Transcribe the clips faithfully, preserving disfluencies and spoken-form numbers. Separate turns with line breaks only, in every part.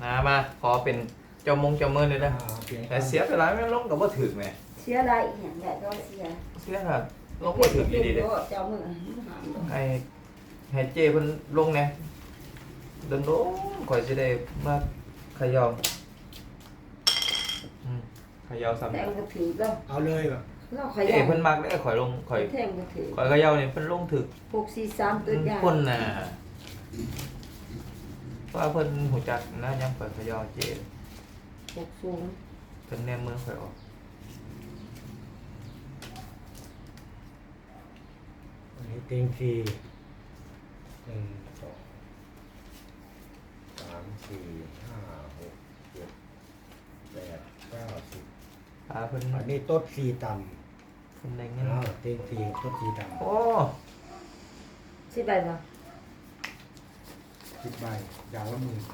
นะมาขอเป็นเจ้ามงเจ้ามือเลยนะ
อ่าเปลี่ยน
แต่เสียไปหลายไม่ลงกับว่าถึกไหม
เสียอะไรอีกอย่างใหญ่ก็เสีย
เสียค่ะลงว่าถึกดีๆเลย
เจ้ามือหามลง
ให้ให้เจเพิ่นลงเนี่ยเดินลงข่อยสิได้มาเขย่าอืมเขย่าซ้ำ
แต่ก็ถือแล้ว
เอาเลยแบบ
เราข
เจ
ยัน
เพิ่นมักได้ข่อยลงข่อย
แท่งก็ถือ
ข่อยเขย่านี่เพิ่นลงถึก
หกสี่สามตัวใหญ่
คนน่ะว่าเพิ่นหูจักนะยังข่อยเขย่าเจ
หกสูง
เพิ่นแนมมือข่อยออก
อันนี้เต็งสี่หนึ่งสองสามสี่ห้าหกเจ็ดแปดเก้าสิบ
ตาเพิ่น
อันนี้โต๊ดสี่ต่
เพิ่นได้
ำ
เงิน
อ้าวเต็งสี่โต๊ดสี่ต่
โอ้
สิบใบบ่
ำสิบใบอย่างละหมื่น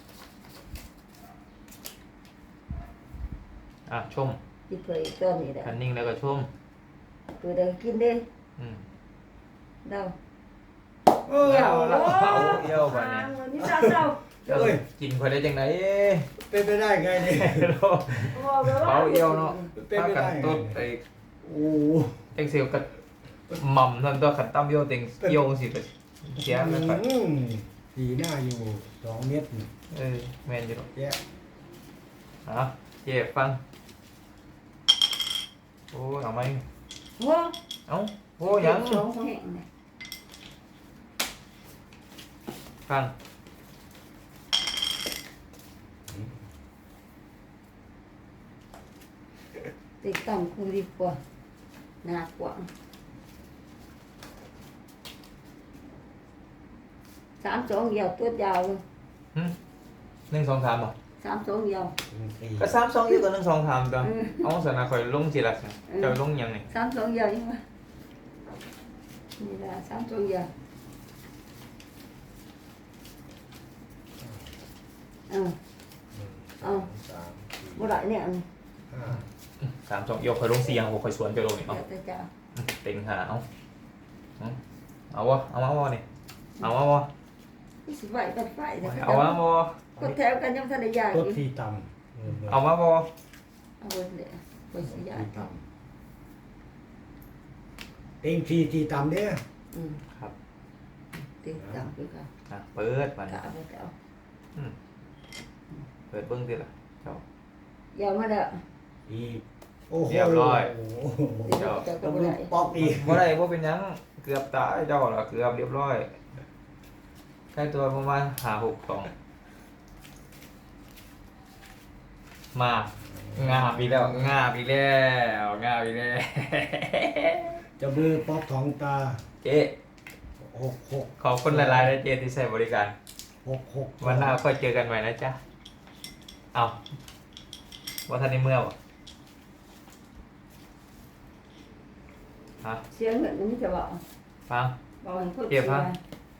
อ่ะชม
ที่เผยตัวนี้แหละ
คันนิ่งแล้วก็ชม
ตัวเดินกินเด้
อืม
เดา
เออ
เอาละเอาเอี่ยวบัดนี้
วันนี้เศร้าเศร้า
เจ้ากินข่อยได้จังได๋
เป็นไปได้ไงเนี่ย
เปาเอี่ยวเนาะ
เป็น
ถ้า
ไป
กั
ได้
น
ไง
ต้นไอ้
โอ้
เต็งเสียวกับหม่ำนั่นตัวขันตั้มเอี่ยวเต็งเอี่ยวสิไปเสียแล้วก็
อืมสีหน้าอยู่สองเมตรนี่
เออแม่นอยู่ดอก
แยะ
อ่ะเจ็บฟังโอ้ยเอาไหม
โอ้
เอ้าโอ้ยัง
สองแห่งเนี่ย
ฟัง
ติดต่ำกูดีกว่าหนักกว่าสามสองยาวตัวยาวเลย
หึหนึ่งสองสามบ่
สามสองยาว
เต็งสี่
ก็สามสองอยู่กับหนึ่งสองสามตัว
อืม
เอาสนะข่อยลงสิล่ะเจ้าลงยังนี่
สามสองยาวยังไงนี่ละสามสองยาวเออ
หนึ่ง
เอา
สองสามสี่
บ่ได้เนี่ยเอา
ห้า
สามสองเอี่ยวข่อยลงสี่ยังบ่ข่อยสวนเจ้าลงนี่
เดี๋
เอา
ยวจะเจ้า
เต็งหาเอาเอาเอาวะเอามาวะนี่เอามาวะ
ที่สิไหวกันไฟแต่ก็
เอามาวะ
กดแถวกันยังทันได้ยาก
โต๊ด
อยู่
สี่ต่ำ
เอามาวะ
เอาไว้เลยไว้สิยาก
สี่ต่ำเต็งสี่สี่ต่ำเนี่ย
อืม
ครับ
ติดตามคือกัน
อ่ะเปิดมัน
กะเอาไปเอา
อืมเปิดเบิ้งดิล่ะเจ้าย
าวมาเด้อ
อีกโอ้โห
เรียบร้อย
โอ้โห
เดี๋ยวจะก็
ต้อง
บ่
ดู
ได้
ป๊อกอีก
บ่ได้บ่เป็นหยังเกือบตายเจ้าล่ะเกือบเรียบร้อยใกล้ตัวประมาณห้าหกสองมางาบอีกแล้วงาบอีกแล้วงาบอีกแล้ว
จะมือป๊อกท้องตา
เจ๊
หกหก
ขอบคุณหลายๆนะเจ๊ที่ใช้บริการ
หกหก
วันหน้าค่อยเจอกันใหม่นะจ๊ะเอาว่าท่านในเมื่อบ่ฮะ
เสียเงินมันจะบอก
ฟัง
บอกให้คน
เก็บฮะ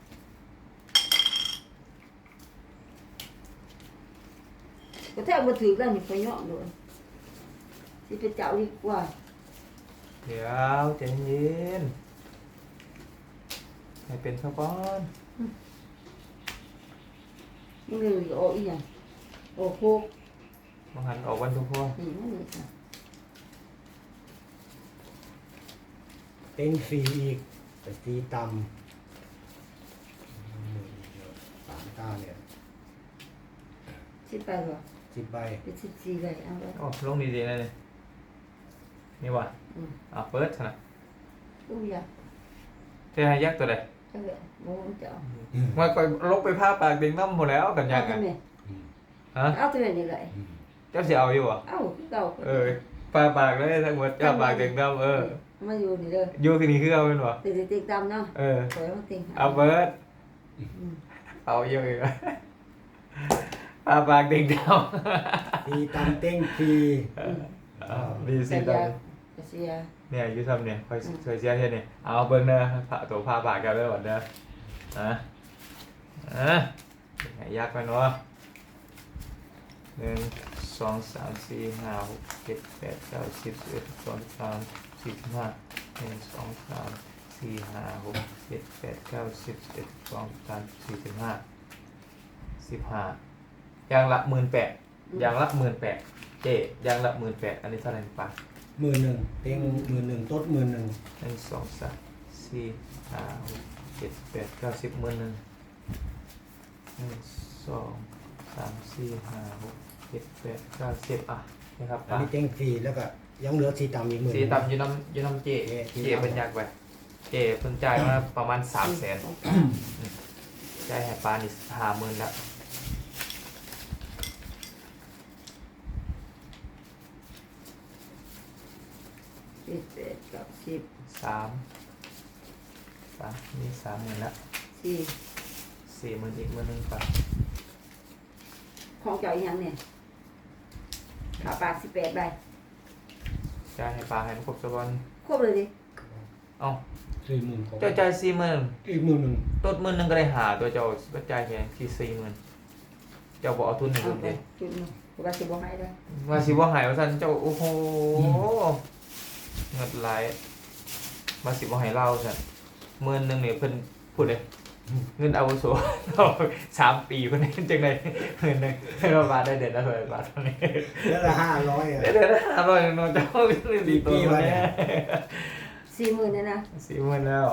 ก็แทบมาถือกันนี่พยอมเลยสิไปเจ้าดีกว่า
เดี๋ยวใจเย็นให้เป็นสักก้อน
มึงเลยโอ้อีหยังโอ้โห
มาหันออกวันทุกพวก
นี่มันนี่ค่ะ
เต็งสี่อีกแต่ตีต่ำสามตาเนี่ย
สิไปบ่
สิบใบ
เป็นสิบสี่ใบเอาไว้
โอ้ลงดีๆนะนี่นี่ว่ะ
อืม
อ่ะเปิดนะ
ลูกอยาก
เธอให้ยักษ์ตัวใด
เจ้าเลยโมงเจ้า
มาก่อยลกไปผ้าปากเด็กน้ำหมดแล้วกันยั
เอา
งไง
ตัวนี้
อืม
ฮะ
เอาตัวนี้เลย
อืม
เจ้าเสียเอาอยู่อ่ะ
เอาเก่า
เออผ้าปากเลยทั้งหมดผ้าปากเด็กน้ำเออ
มาอยู่นี่เลย
อยู่ที่นี่คือเอาเป็นวะ
ติดติดตามเนาะ
เออ
สวยมาติง
เอาเปิด
อืม
เอาเยอะอีกผ้าปากเด็กน้
ตีต่ำเต็งสี่
ำดีสิ
แต่
ตาย
ากจะเสีย
เนี่ยอยูทำเนี่ยคอยเคยเสียเท่านี่เอาเบิ้งเด้อผ้าตัวผ้าปากกันเด้อวันเด้ออ่ะอ่ะไหนยากไปเนาะหนึ่งสองสามสี่ห้าหกเจ็ดแปดเก้าสิบสิบเอ็ดสิบสองสิบสามสิบห้าหนึ่งสองสามสี่ห้าหกเจ็ดแปดเก้าสิบสิบเอ็ดสิบสองสิบสามสิบสี่สิบห้าสิบห้าอย่างละหมื่นแปดอย่างละหมื่นแปดเจอย่างละหมื่นแปดอันนี้เท่าไหร่ปะ
หมื่นหนึ่งเต็งหมื่นหนึ่งต้นหมื่นหนึ่ง
หนึ่งสองสามสี่ห้าหกเจ็ดแปดเก้าสิบหมื่นหนึ่งหนึ่งสองสามสี่ห้าหกเจ็ดแปดเก้าสิบอ่ะนะครับ
อัน
ปะ
นี้เต็งฟรีแล้วก็ยังเหลือสีต่ำอีกหมื่น
สีต่ำอยูน้ำอยูน้ำเจ
เจ๊
เจเป็นยากไปเจเพิ่งจ่ายมาประมาณสามแสนจ่ายให้ปลานี่ห้าหมื่นละ
เจ็ดแปดเก้าสิบ
สามปะนี่สามหมื่นละ
สี่
สี่หมื่นอีกหมื่นหนึ่งปะ
ของเจ้าอีหยังเนี่ยขาปากสิบแปดใบ
จ่ายให้ปลาให้มันครบสักวัน
ครบเลยดิ
เอ้า
สี่หมื่นกว่า
เจ้าจ่ายสี่หมื่น
อีกหมื่นหนึ่ง
ต้นหมื่นหนึ่งก็ได้หาตัวเจ้าก็จ่ายแค่ที่สี่หมื่นเจ้าบอกเอาทุนให้
เอา
ผม
ไป
ดิ
จุดหนึงว่าสิบ่ให้ได้
ว่าสิว่าหายว่าท่านเจ้าโอ้โหเงินไหลายมาสิว่าหายเล่าสันหมื่นหนึ่งเนี่ยเพิ่นพูดเลยเงินอาวุโส สามปีเพิ่นได้จังไดหมื่นหนึ่งให้เราบาทได้เดือนละเท่าไหร่บาทเท่านี้
แล้วละห้าร้อยอ่ะ
ได้เดือนละห้าร้อยเนาะเจ้าเรื่องดีตัวมาเนี่ย
สี่หมื่นเนี่ยนะ
สี่หมื่นแล้ว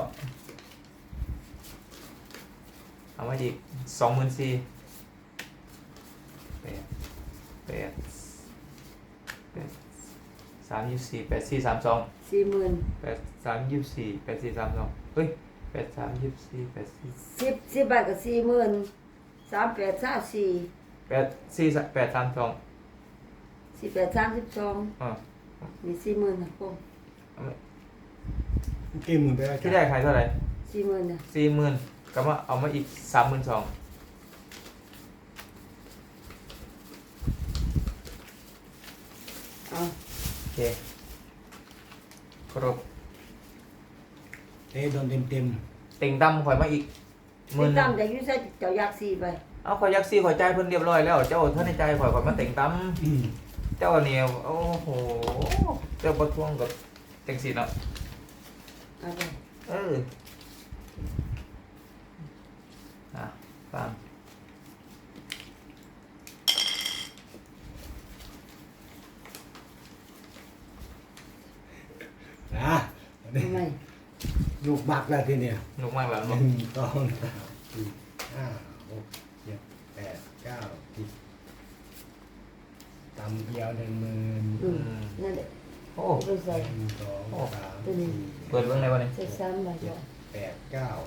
เอามาอีกสองหมื่นสี่แปดแปดแปดสามยี่สี่แปดสี่สามสอง
สี่หมื่น
แปดสามยี่สี่แปดสี่สามสองเฮ้ยแปดสามยี่สี่แปดสี่
สิบสิบใบกับสี่หมื่นสามแปดสามสี่
แปดสี่แปดสามสอง
สี่แปดสามสิบสอง
อ่า
มีสี่หมื่นนะพง
กี่หมื่นไปแล้ว
ที่ได้ขายเท่าไหร่
สี่หมื่นนะ
สี่หมื่นก็มาเอามาอีกสามหมื่นสอง
เอา
โอเคครบ
เต้โดนเต็มเต็ม
ติ่งดำข่อยมาอีกหมื่
ติ
น
ด
หนึ่
ตาง มจากอยูไซเจ้าอยากสี่ใบ
เอาข่อยยักซี่ข่อยจ่ายเพิ่นเรียบร้อยแล้วเจ้าท่านในใจข่อยข่อยมาติ่งด
ๆอืม
ำเจ้าเนี่ยโอ้โหเจ้าประท้วงกับจังสีเนาะ
เอาไป
เอออ่ะฟัง
นะ
ทำไม
ลูกบักแล้วทีเนี้ย
นุกมากแล้ว
ห
เนาะ
นึ่งสองสามสี่ห้าหกเจ็ดแปดเก้าสิบตำเดียวหนึ่งหมื่น
อืมนั่นแหละ
โอ้
ไปใส่
หนึ่งสองสามสี่
เปิดเบื้องในวันนี้
ใส่ซ้ำใบ
เจ็
ก่อ
ด
น
แปดเก้า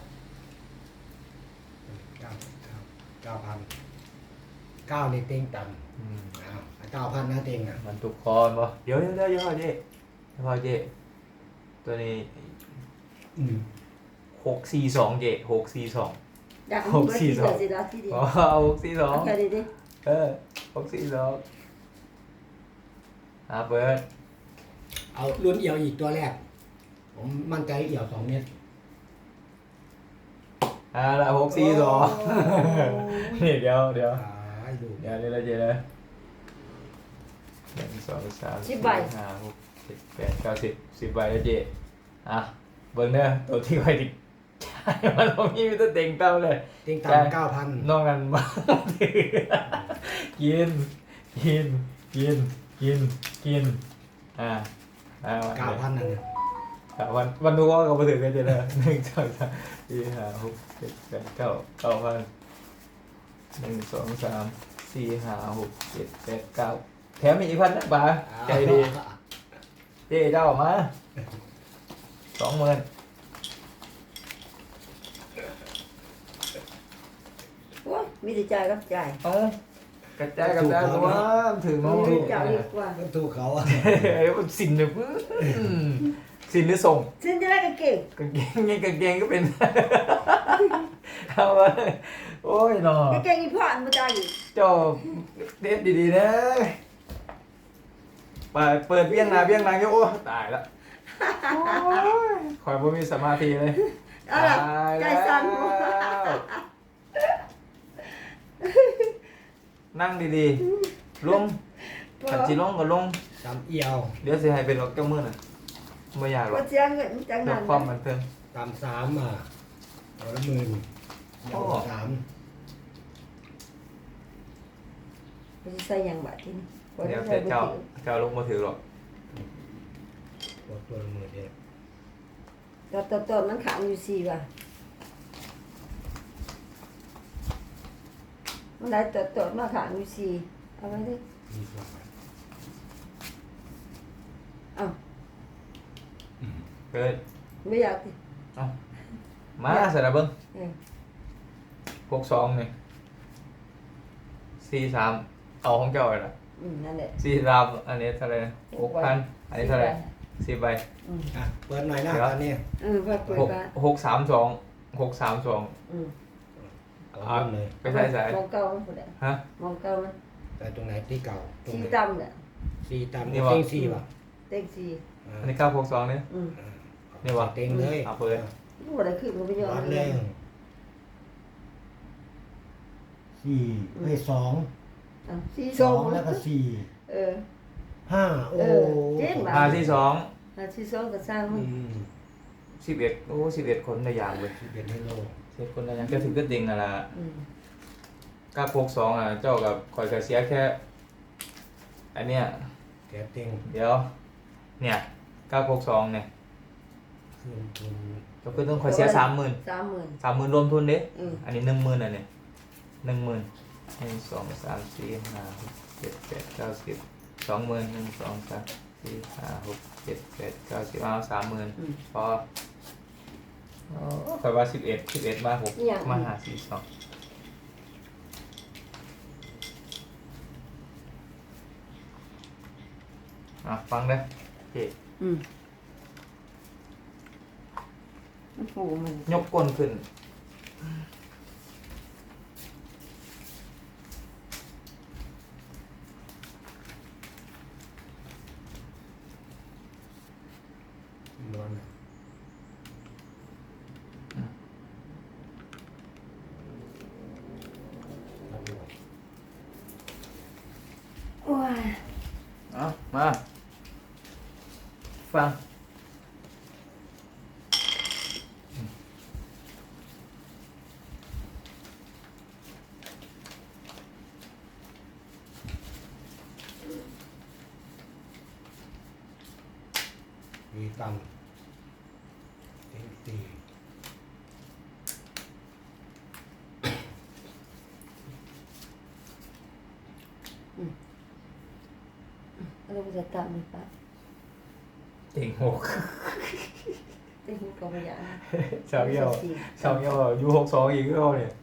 เก้าเก้าเก้าพันเก้านี่เต็งต่ำ
อืม
อ้าวเก้าพันนะเต็งอ่ะ
มันทุกคนบ่เดี๋ยวเดี๋ยวเดี๋ยวเดี๋ยวเจ๊เดี๋ยวเจ๊ตัวนี้
อืม
หกสี่สองเจ๊หกสี่สอง
อยากรู้ว่าที่เดียวสิละที่เดียว
อ๋อหกสี่สอง
เอาแค่นี้ดิ
เออหกสี่สองอ่ะเปิด
เอาลุ้นเอี่ยวอีกตัวแรก ผมมั่นใจเอี่ยวสองเมตร
อ่าละหกสี่สองนี่เดี๋ยวเดี๋ยว
ตายดู
เดี๋ยวเดี๋ยวเจ๊เลยหนึ่งสองสามสี่ห้าหกเจ็ดแปดเก้าสิบสิบใบแล้วเจ๊อ่ะเบิ้งเด้อตัวที่ไว้ดิใช่มันบ่มีมีแต่เต็งเต้าเลย
เต็งต่ำเก้าพัน
นอกนั้นบ้าง กินกินกินกินกินอ่าอ่า
เก้าพันนั่นน่ะ
อ่าวันวันนู้นก็มาถึงกันจะเลยหนึ่งสองสามสี่ห้าหกเจ็ดแปดเก้าเก้าพันหนึ่งสองสามสี่ห้าหกเจ็ดแปดเก้าแถมอีกพันนะบ้าใจดีเจ๊เจ้าออกมาสองหมื่น
โอ้ยมีแต่จ่ายกับจ่าย
เอ้ากระจายกระจายตัวถึงน้อง
มี
ลูก
แต่จ่ายดีกว่า
ก็ถูกเขาอ่ะ
เอ้ยมันสินเลยปึ๊บสินหรือส่ง
ซึ่งจะได้ก็เก่ง
กางเกงไงกางเกงก็เป็น เอาไว้โอ้ยหนอ
ก็เก่งอีพ่ออันมาจ่ายอีก
เจ้าเด็ดดีๆนะเปิดเปิดเบี้ยงนาเบี้ยงนางโยโอ้ตายละคอยบ่มีสมาธิเลย
เอาล่ะใจสั่น
แล้วนั่งดีๆลงขันจีลงก็ลง
ต่ำเอี่ยว
เดี๋ยวสิให้เป็นหรอกเจ้ามือน่ะไม่อยากหรอ
ก็
ก
เสียเงินจัง
เพื่อ
นั้น
ความบันเทิง
ต่ำสามอ่ะเอาละหมื่น
โอ้
เอาสาม
เขาจะใส่หยังบาดที่นี่บ่
เดี๋
ได้
ยว
ใส่
แต่
บ่
เจ้า
ถือ
เจ้าลงมาถือหรอก
ตัวตัวละหมื่นเดียว
ตัวตัวตัวมันขังอยู่สี่ว่ะมันได้ตัวตัวมาขังอยู่สี่เอาไว้ดิ
มีสอง
เอ้า
เกิด
ไม่อยากดิ
เอามาเสร็จแล้วเบิ้ง
เออ
หกสองนี่สี่สามเอาของเจ้าเลยล่ะ
อืมนั่นแหละ
สี่สามอันนี้เท่าไหร่หกพันอันนี้เท่าไหร่สิบใบ
อืม
อ่ะเปิดหน่อยนะตอนนี้
เออว่าเปิด
หก
บ้าน
หกสามสองหกสามสอง
อืม
เอาเริ่มเลย
ไปใส่ใส่
มองเก่ามันพุ่นแหละ
ฮะ
มองเก่ามัน
แต่ตรงไหนที่เก่าตรง
สี่
ไหน
ต่ำเนี่ย
สี่ตาม
นี่
นี่
วะ
เต็งสี่ป่ะ
เต็งสี่
อ่า
อันนี้เก้าหกสองเนี่ย
อืม
อ่า
นี่วะ
เต็งเลย
เอาเปิด
รู้อะไรขึ้นมันไปย้อน
วัด
เล
เลย ยสี่ไม่สอง
อ่ะสี่
ส
ส
อ
อง ง
แล้วก็สี่
เออ
ห้าโอ้
เออเจ๊งว่ะ
หาที่สอง
อ่ะสี่สองก็สร้างมั
อื
น
ม
สิบเอ็ดโอ้สิบเอ็ดคนในอย่างเลย
สิบเอ็ดให้โล
สิบเอ็ดคนในอย่างก็ถึงก็ดิ่งนั่นแหละ
อืม
เก้าหกสองอ่ะเจ้ากับคอยกระเสียแค่ อันเนี้ย
แกเต็ง
เดี๋ยว เนี่ยเก้าหกสองเนี่ย
คืนทุน
ก็คือต้องคอยเสียสามหมื่น
สามหมื่น
สามหมื่นรวมทุนเด้
อืม
อันนี้หนึ่งหมื่นอ่ะเนี่ยหนึ่งหมื่นหนึ่งสองสามสี่ห้าหกเจ็ดแปดเก้าสิบสองหมื่นหนึ่งสองสามสี่ห้าหกเจ็ดแปดเก้าสิบเอาสามหมื่น
อืม
พออ๋อคอยว่าสิบเอ็ดสิบเอ็ดมาหก
อีหยัง
มาหาสี่สองอ่ะฟังเด้อเจ๊
อืมมันโหมัน
ยกก้นขึ้น
นวลครับผม
โอ้ย
เอามา ฟัง
มีกำเต็งสี่
เราจะตามมันปะ
เต็งหก
เต็งก็ไม่อยาก
ชาวเยี่ยวชาวเยี่ยวยูหกสองอีกก็เอาเนี่ย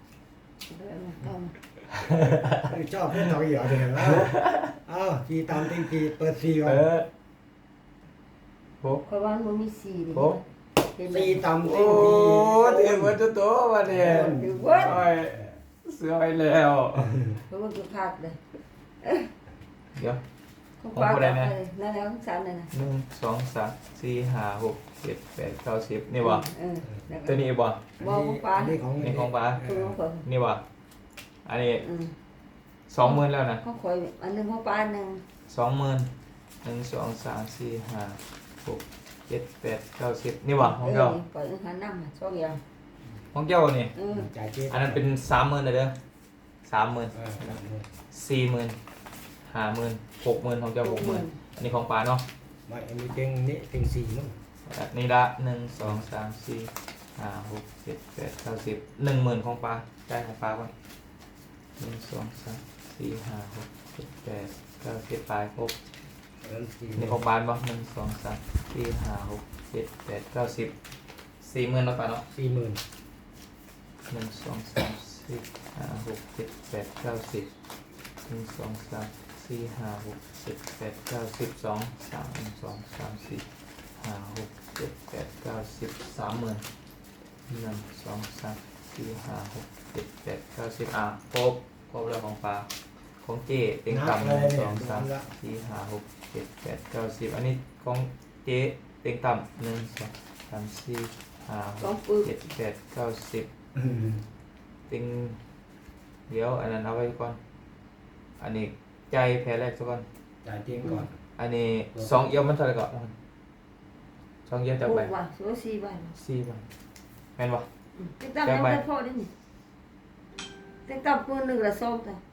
ชอบเพื่อนเราเหรอเดี๋ยวนะอ้าวสี่ตามเต็งสี่เปิดสี่ก่อ
เอน อหก
เพราะว่ามันมีสี่นี่
หก
เห็นไหม
สี่ตามเต็
โอ้
งสี่
เต็มหมดตัวตัวมาเนี่ย
ถือว่า
โอ้ยเสือไปแล้ว
เพราะว่าคือพลาดเลย
เดี๋ยว
ของปลา
ของผู้ใดเนี่ย
นั่นแล้วของสามนั่นนะ
หนึ่งสองสามสี่ห้าหกเจ็ดแปดเก้าสิบนี่วะ
เออแล้วก็
ตัวนี้บ่
บอกของปลา
อันนี้ของ
นี่ของปลา
คือของคน
นี่วะอันนี้
อืม
สองหมื่นแล้วนะ
ของข่อยอันหนึงของปลาอันหนึ่ง
สองหมื่นหนึ่งสองสามสี่ห้าหกเจ็ดแปดเก้าสิบนี่วะของเจ้า
เออปล่อยหันน้ำมาสองอย่าง
ของเจ้านี่
เออ
จ่ายเจ๊
อันนั้นเป็นสามหมื่นเลยเด้อสามหมื่น
เออ
สี่หมื่นห้าหมื่นหกหมื่นของเจ้าหกหมื่นอันนี้ของปลาเนาะ
ไม่อันนี้เต็งนี่เต็งสี่มั้ง
อันนี่ละหนึ่งสองสามสี่ห้าหกเจ็ดแปดเก้าสิบหนึ่งหมื่นของปลาได้ของปลาก่อนหนึ่งสองสามสี่ห้าหกเจ็ดแปดเก้าสิบปลายครบ
อันนั้นสี่
นี่ของปลาบ่หนึ่งสองสามสี่ห้าหกเจ็ดแปดเก้าสิบสี่หมื่นแล้วปลาเนาะ
สี่หมื่น
หนึ่งสองสามสี่ห้าหกเจ็ดแปดเก้าสิบหนึ่งสองสามสี่ห้าหกเจ็ดแปดเก้าสิบสองสามหนึ่งสองสามสี่ห้าหกเจ็ดแปดเก้าสิบสามหมื่นหนึ่งสองสามสี่ห้าหกเจ็ดแปดเก้าสิบอ่ะครบครบแล้วของปลาของเจ๊เต็งต่ำหนึ่งสองสามสี่ห้าหกเจ็ดแปดเก้าสิบอันนี้ของเจ๊เต็งต่ำหนึ่งสองสามสี่ห้าห
ของ
ก
ปึก
เจ็ดแปดเก้าสิบ
อืม
ติงเดี๋ยวอันนั้นเอาไว้ก่อน อันนี้ใจแพ้แรกซะก่อน
จ่ายเต็งก่อน
อันนี้สองเอี้ยวมันเท่าไหร่ก่อนสองเอี้ยวจะ
ห
ไป
กว่ะสวยสี่ใบ
สี่ใบแม่นบ่
อืมติ๊กตั้มยังไม่พอได้นี่ติ๊กตั้มคนหนึ่งละสองแต่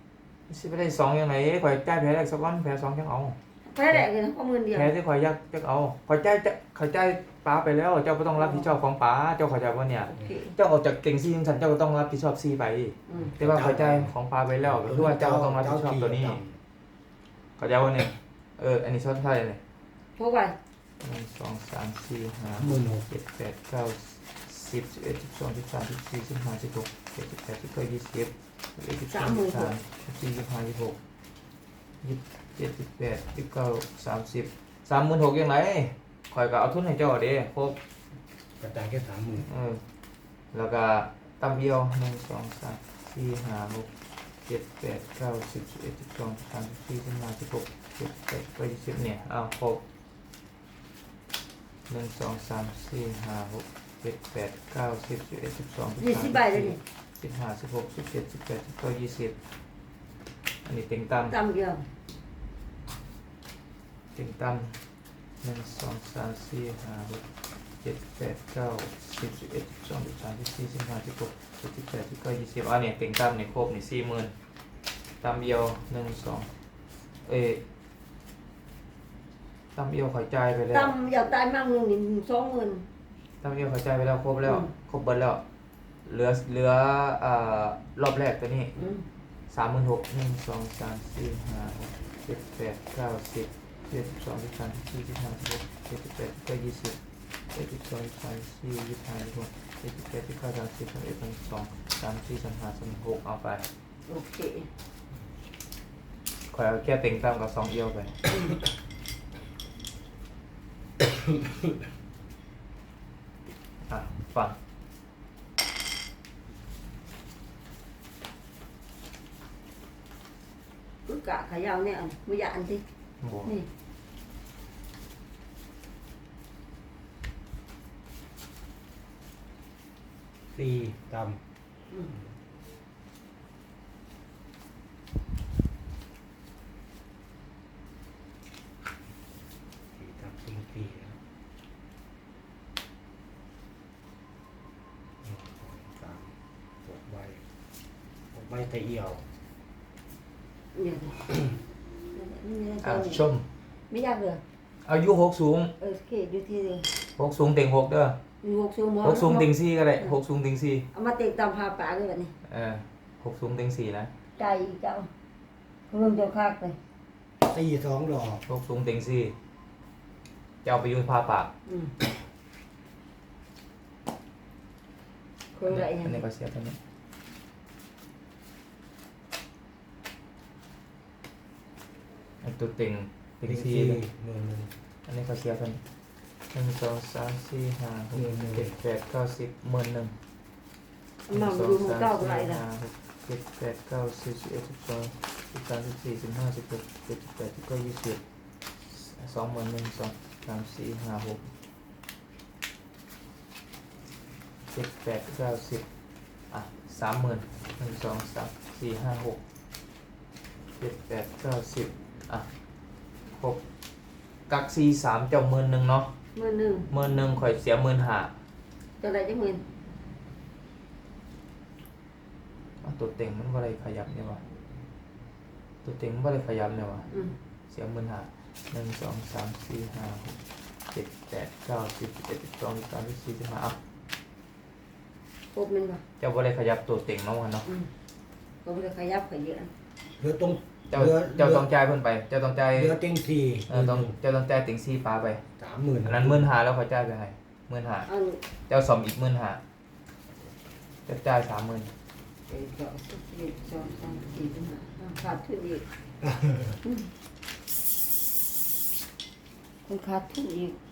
สิไปได้สองยังไงข่อยจ่ายแพ้แรกสักวันแพ้สองจังเอา
แพ้แดกเลยนะข้อมือเดียว
แพ้ที่ข่อยอยากจะเอาข่อยจ่ายจะข่อยจ่ายป้าไปแล้ว เจ้าก็ต้องรับผิดชอบของป้าเจ้าเข้าใจว่าเนี่ย
โอเค
เจ้าออกจากเก่งซีของฉันเจ้าก็ต้องรับผิดชอบซีไป
อืม
แต่ว่าข่อยจ่ายของป้าไปแล้วก็คือว่าเจ้าก็ต้องรับผิดชอบตัวนี้เข้าใจว่าเนี่ยเอออันนี้ชอบเท่าไหร่เนี่ย
พกไป
หนึ่งสองสามสี่ห้า
หมื่นหก
เจ็ดแปดเก้าสิบสิบเอ็ดสิบสองสิบสามสิบสี่สิบห้าสิบหกเจ็ดสิบแปดสิบเก้ายี่สิบสิบเอ็ดสิบสองสิบสามสิบสี่สิบห้าสิบหกยี่สิบเจ็ดสิบแปดสิบเก้าสามสิบสามหมื่นหกยังไงข่อยก็เอาทุนให้เจ้าเด้ครบ
กระจายแค่สามหมื่น
เออแล้วก็ตั้มเดียวหนึ่งสองสามสี่ห้าหกเจ็ดแปดเก้าสิบสิบเอ็ดสิบสองสิบสามสิบสี่สิบห้าสิบหกเจ็ดแปดเก้ายี่สิบเนี่ยเอาครบหนึ่งสองสามสี่ห้าหกเจ็ดแปดเก้าสิบสิบเอ็ดสิบสองสิบ
ยี่
สาม
สิ
สิ
บบ ใบเลยนี่
สิบห้าสิบหกสิบเจ็ดสิบแปดสิบเก้ายี่สิบอันนี้เต็งตั้ม
ตามเดียว
เต็งตั้มหนึ่งสองสามสี่ห้าหกเจ็ดแปดเก้าสิบสิบเอ็ดสิบสองสิบสามสิบสี่สิบห้าสิบหกสิบเจ็ดสิบแปดสิบเก้ายี่สิบอันนี้เต็งตั้มเนี่ยครบนี่สี่หมื่นตั้มเดียวหนึ่งสองเอ้ยตั้มเดียวขอยจ่ายไปแล้ว
ตามอยากตายมากมึงนี่สองหมื่น
ตั้มเดียวขอยจ่ายไปแล้วครบแล้ว
อืม
ครบเบิดแล้วเหลือเหลืออ่ารอบแรกตัวนี้
อืม
สามหมื่นหกหนึ่งสองสามสี่ห้าหกเจ็ดแปดเก้าสิบเจ็ดสิบสองสิบสามสิบสี่สิบห้าสิบหกเจ็ดสิบแปดก็ยี่สิบเจ็ดสิบสองสิบสามสิบสี่ยี่สิบห้ายี่สิบหกเจ็ดสิบแปดสิบเก้าสามสิบสามเอ็ดสามสองสามสี่สามห้าสามหกเอาไป
โอเค
คอยเอาแค่เต็งตามกับสองเอียวไปอ่ะฟัง
cứ cả khả dao nè mới dạn đi
บวก
นี่
สี่ต
อืม
ำสี่ตำสี่สี่แล้วหนึ่งสองสามหกใบหกใบแต่เอี่ยว
nhiều rồi
อ่ะชม
mới ra được
อายุหกสูง
ừ kể như thế rồi
หกสูงเต็งหกเด้อ
hộp xuống
หกสูง
món
เต็งสี่ก็ได้หกสูงเต็งสี่
mà tiền tầm hà bả cái vậy này
เออหกสูงเต็งสี่นะ
cày cháu không cho khác này
สี่สองดอก
หกสูงเต็งสี่จะเอาไปอยูพาปาก
ừ không vậy
อันนี้
này
ก็เสียเท่านี้อันตัวเต็งเต็งสี่
หมื่นหนึ่ง
อันนี้ก็เสียเท่านี้หนึ่งสองสามสี่ห้าหกเจ็ดแปดเก้าสิบหมื่นหนึ่ง
mà
song
dùng một
sang
cao
si
lại là
hà จ็ดแปดเก้าสิบสิบเอ็ดสิบสองสิบสามสิบสี่สิบห้าสิบหกเจ็ดสิบแปดสิบเก้ายี่สิบสองหมื่นหนึ่งสองสามสี่ห้าหกเจ็ดแปดเก้าสิบอ่ะสามหมื่นหนึ่งสองสามสี่ห้าหกเจ็ดแปดเก้าสิบอ่ะหกกักสี่สามเจ้าหมื่นหนึ่งเนาะ
mười nương
หมื่นหนึ่งข่อยเสียหมื่นห้า
cho lại cho mình
อ่ะตัวเต็งมันว่าอะไรขยับเนี่ยวะตัวเต็งมันว่าอะไรขยับเนี่ยวะ
ừ
เสียงหมื่นห้าหนึ่งสองสามสี่ห้าหกเจ็ดแปดเก้าสิบสิบเอ็ดสิบสองสิบสามสิบสี่สิบห้าอ่ะ
hộp mình vào
เจ้าว่าอะไรขยับตัวเต็งเนาะวะเนาะ
ừ còn bây giờ khai giáp phải dễ
เหลือตรง
เจ้า
เหลือ
เจ้าต้องจ่ายเพิ่นไป เจ้าต้องจ่าย
เหลือเต็งสี่
เออต้องเจ้าต้องจ่ายเต็งสี่ปลาไป
สามหมื่น
อันนั้นหมื่นห้าแล้วเขาจ่ายไปให้หมื่นห้า
ăn
เจ้าสมอีกหมื่นห้าเจ้าจ่ายสามหมื่น
để cho sức điện cho sang chỉ cho mà khát thứ gì không khát thứ gì